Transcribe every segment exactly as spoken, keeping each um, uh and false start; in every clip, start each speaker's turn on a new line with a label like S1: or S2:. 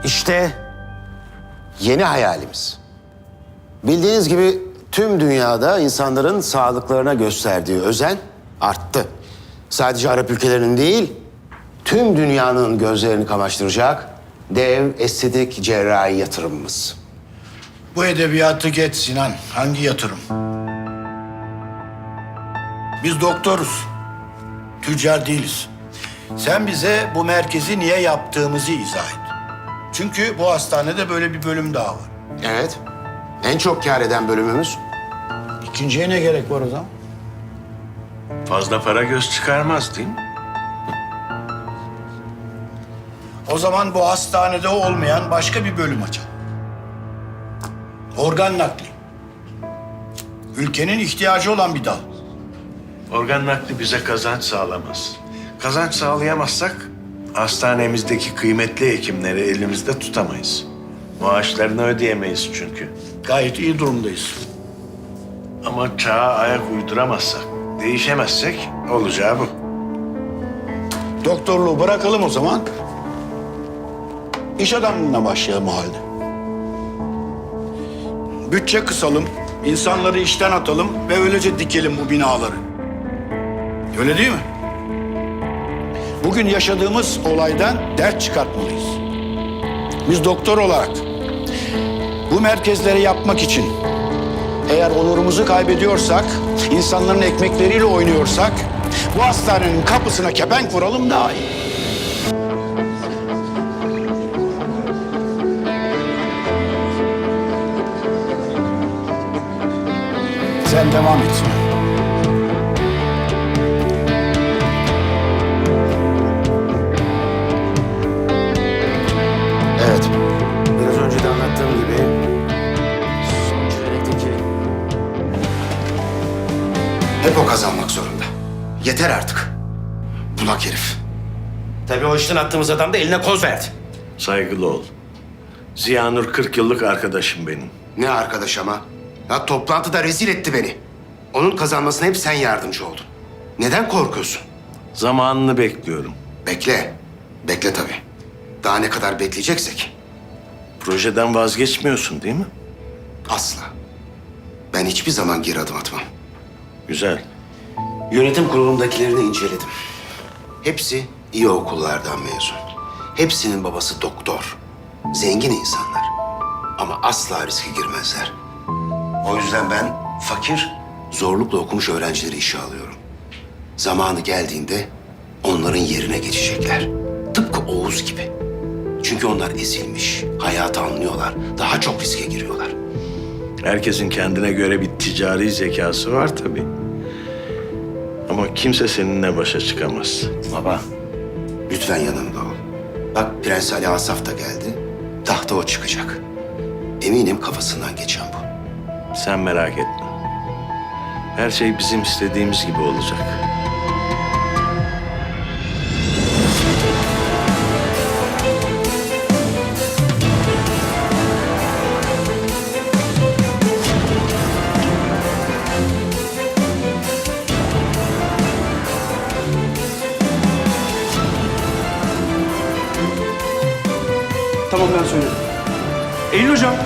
S1: İşte yeni hayalimiz. Bildiğiniz gibi tüm dünyada insanların sağlıklarına gösterdiği özen arttı. Sadece Arap ülkelerinin değil, tüm dünyanın gözlerini kamaştıracak dev estetik cerrahi yatırımımız.
S2: Bu edebiyatı geç Sinan. Hangi yatırım? Biz doktoruz. Tüccar değiliz. Sen bize bu merkezi niye yaptığımızı izah et. Çünkü bu hastanede böyle bir bölüm daha var.
S1: Evet, en çok kâr eden bölümümüz.
S2: İkinciye ne gerek var o zaman?
S3: Fazla para göz çıkarmaz değil mi?
S2: O zaman bu hastanede olmayan başka bir bölüm açalım. Organ nakli. Ülkenin ihtiyacı olan bir dal.
S3: Organ nakli bize kazanç sağlamaz. Kazanç sağlayamazsak hastanemizdeki kıymetli hekimleri elimizde tutamayız. Maaşlarını ödeyemeyiz çünkü.
S2: Gayet iyi durumdayız.
S3: Ama çağa ayak uyduramazsak, değişemezsek olacağı bu.
S2: Doktorluğu bırakalım o zaman. İş adamlığına başlayalım o halde. Bütçe kısalım, insanları işten atalım ve öylece dikelim bu binaları. Öyle değil mi? Bugün yaşadığımız olaydan ders çıkartmalıyız. Biz doktor olarak bu merkezleri yapmak için eğer onurumuzu kaybediyorsak, insanların ekmekleriyle oynuyorsak bu hastanenin kapısına kepenk vuralım daha iyi. Sen devam et.
S1: Evet, biraz önce de anlattığım gibi son çeyrekteki hep o kazanmak zorunda. Yeter artık. Bunak herif.
S4: Tabii o işten attığımız adam da eline koz verdi.
S3: Saygılı ol. Ziyanur kırk yıllık arkadaşım benim.
S1: Ne arkadaş ama? Ya toplantıda rezil etti beni. Onun kazanmasına hep sen yardımcı oldun. Neden korkuyorsun?
S3: Zamanını bekliyorum.
S1: Bekle. Bekle tabii. Daha ne kadar bekleyeceksek.
S3: Projeden vazgeçmiyorsun değil mi?
S1: Asla. Ben hiçbir zaman geri adım atmam.
S3: Güzel.
S1: Yönetim kurulundakilerini inceledim. Hepsi iyi okullardan mezun. Hepsinin babası doktor. Zengin insanlar. Ama asla riske girmezler. O yüzden ben fakir, zorlukla okumuş öğrencileri işe alıyorum. Zamanı geldiğinde onların yerine geçecekler. Tıpkı Oğuz gibi. Çünkü onlar ezilmiş, hayatı anlıyorlar. Daha çok riske giriyorlar.
S3: Herkesin kendine göre bir ticari zekası var tabii. Ama kimse seninle başa çıkamaz.
S1: Baba, lütfen yanımda ol. Bak Prens Ali Asaf da geldi. Tahta o çıkacak. Eminim kafasından geçen bu.
S3: Sen merak etme. Her şey bizim istediğimiz gibi olacak.
S5: Tamam ben söyledim. Eylül hocam.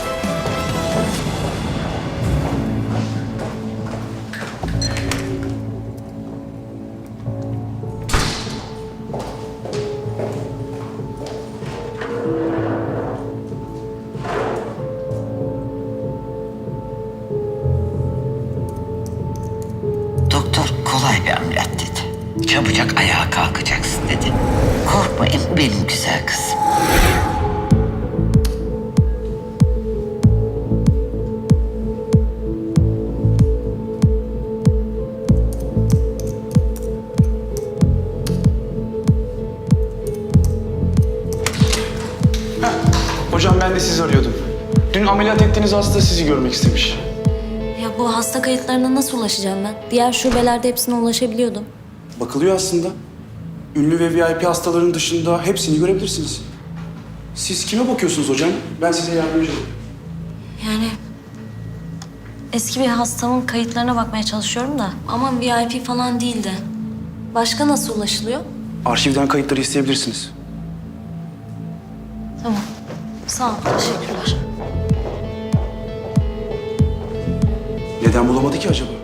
S6: Doktor kolay bir ameliyat dedi. Çabucak ayağa kalkacaksın dedi. Korkmayın benim güzel kızım.
S5: Hocam ben de sizi arıyordum. Dün ameliyat ettiğiniz hasta sizi görmek istemiş.
S7: Ya bu hasta kayıtlarına nasıl ulaşacağım ben? Diğer şubelerde hepsine ulaşabiliyordum.
S5: Bakılıyor aslında. Ünlü ve V I P hastaların dışında hepsini görebilirsiniz. Siz kime bakıyorsunuz hocam? Ben size yardımcı olayım.
S7: Yani eski bir hastamın kayıtlarına bakmaya çalışıyorum da ama V I P falan değildi. Başka nasıl ulaşılıyor?
S5: Arşivden kayıtları isteyebilirsiniz.
S7: Tamam. Sağ ol. Teşekkürler.
S5: Neden bulamadı ki acaba?